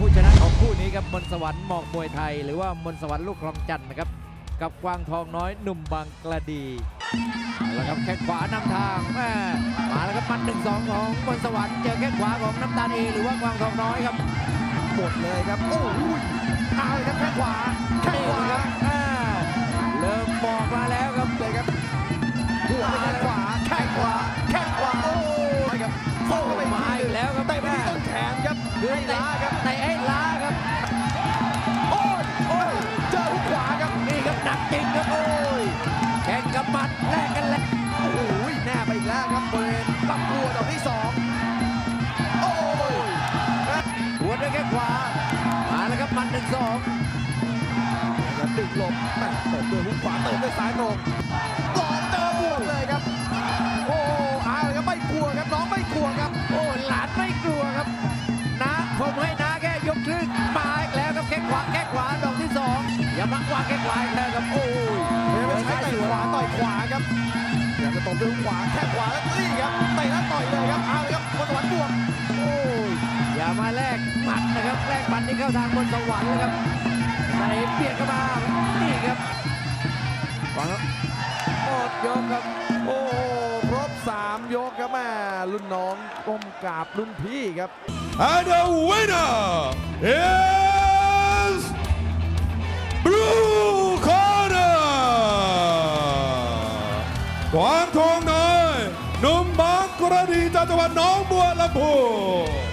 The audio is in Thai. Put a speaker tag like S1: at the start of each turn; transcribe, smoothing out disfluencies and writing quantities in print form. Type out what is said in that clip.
S1: ผู้ชนะของคู่นี้ครับมนต์สวรรค์หมอกมวยไทยหรือว่ามนต์สวรรค์ลูกคลองจันทร์นะครับกับกวางทองน้อยหนุ่มบางกระดีแล้วครับแข้งขวานำทางมาแล้วครับมัน1-2ของมนต์สวรรค์เจอแข้งขวาของน้ำตาลเอหรือว่ากวางทองน้อยครับ
S2: หมดเลยครับโอ้ยเอาเลยครับแข้งขวาแข้งขวา
S1: ครับเริ่มบอกมาแล้วครับ
S2: เลยครับหัวไปแข้งขวาแข้งขวาแข้งขวาโอ้ยครับโอ้ไป
S1: มาอีกแล้วครับ
S2: เตะไปที่ต้นแขนครับ
S1: คือ
S2: ให้ล้าครับ
S1: เตะให้ล้าครับ
S2: โอ้ยโอ้ยเจอหุกขวาครับ
S1: นี่ครับหนักจริงครับโอ้ยแข่งกับหมัดแลกกันแล้ว
S2: โอ้ยแน่ไปอีกแล้วครับบริเวณลำตัวดอกที่สองโอ้ย
S1: หัวด้วยแข้งขวามาแล้วครับหมัด1-2
S2: แล้วดึงหลบแม่เติมด้วยหุกขวาเติมด้วยซ้ายตรงหลอกเจอบวกเลยครับโอ้เอาเลยครับไม่กลัวครับน้องไม่กลัวครับ
S1: โอ้หลานไม่กลัวครับนะผมให้นะแค่ยกครึ่งมาอีกแล้วครับแข้งขวาดอกที่2อย่ามาวางแข้งขวาอีกแล้วครับโอ้ย
S2: พยายามจะใช้เตะขวาต่อยขวาครับพยายามจะตบด้วยหุกขวาแข้งขวาแล้วนี่ครับเตะแล้วต่อยเลยครับเอาเลยครับมนต์สวรรค์บวก
S1: โอ้ยอย่ามาแลกหมัดนะครับแลกหมัดนี่เข้าทางมนต์สวรรค์เลยครับไหนเปลี่ยนเข้ามานี่ครับฟังครับหมดยกครับ
S2: โอ้ครบ3 ยกครับแม่รุ่นน้องก้มกราบรุ่นพี่ครับ
S3: And the winner is Blue Corner กวางทองน้อยหนุ่มบางกระดีจากจังหวัดหนองบัวลำพู